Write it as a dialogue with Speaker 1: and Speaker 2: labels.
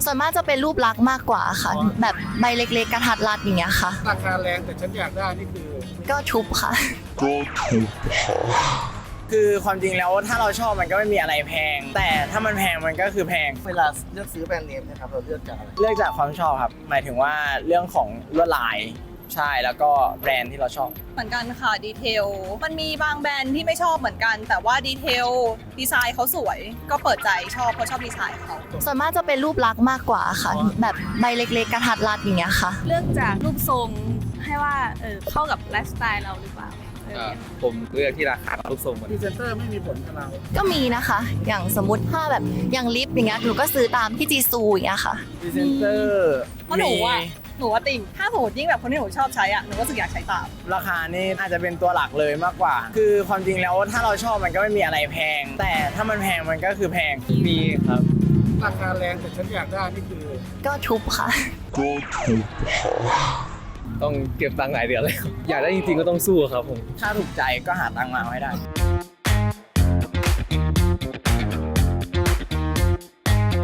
Speaker 1: ส่วนมากจะเป็นรูปลักษณ์มากกว่าค่ะ แบบใบเล็กๆกระทัดรัดอย่างเงี้ยค่ะ
Speaker 2: ราคาแรงแต่ฉันอยากได้นี่คือ
Speaker 1: ก็ทุบค่ะ
Speaker 3: คือความจริงแล้วถ้าเราชอบมันก็ไม่มีอะไรแพง แต่ถ้ามันแพงมันก็คือแพง
Speaker 2: เวลาเลือกซื้อแบรนด์เนมนะครับเราเลือกจากอะไร
Speaker 3: เลือกจากความชอบครับ หมายถึงว่าเรื่องของลวดลายใช่แล้วก็แบรนด์ที่เราชอบ
Speaker 4: เหมือนกันค่ะดีเทลมันมีบางแบรนด์ที่ไม่ชอบเหมือนกัน แต่ว่าดีเทลดีไซน์เขาสวยก็เปิดใจชอบเพราะชอบดีไซน์เขา
Speaker 1: ส่วนมากจะเป็นรูปลักษณ์มากกว่าค่ะ แบบใบเล็กๆกระทัดรัดอย่างเงี้ยค่ะ
Speaker 5: เลือกจากรูปทรงให้ว่าเข้ากับไลฟ์สไตล์เราหรือเปล่า
Speaker 6: ผมเลือกที่ราคารูปทรงมัน
Speaker 2: พรีเซนเตอร์ไม่มีผลกับเรา
Speaker 1: ก็มีนะคะ อย่างสมมติถ้าแบบอย่างลิปอย่างเงี้ยหนูก็ซื้อตามพี่จีซูอย่างเงี้ยค่ะ
Speaker 3: พรีเซนเตอร์
Speaker 4: เพราะหนูว่าติ่งถ้าสมมติยิ่งแบบคนที่หนูชอบใช้อ่ะหนูก็รู้สึกอยากใช้ตาม
Speaker 3: ราคานี่อาจจะเป็นตัวหลักเลยมากกว่า คือความจริงแล้วถ้าเราชอบมันก็ไม่มีอะไรแพง แต่ถ้ามันแพงมันก็คือแพง
Speaker 6: มีครับ
Speaker 2: ราคาแรงแต่ฉันอยากได้นี่คือ
Speaker 1: ก็ทุบค่ะ
Speaker 6: ต้องเก็บตังค์หลายเดือนเลยครับอยากได้จริงๆก็ต้องสู้ครับผม
Speaker 3: ถ้าถูกใจก็หาตังค์มาให้ได้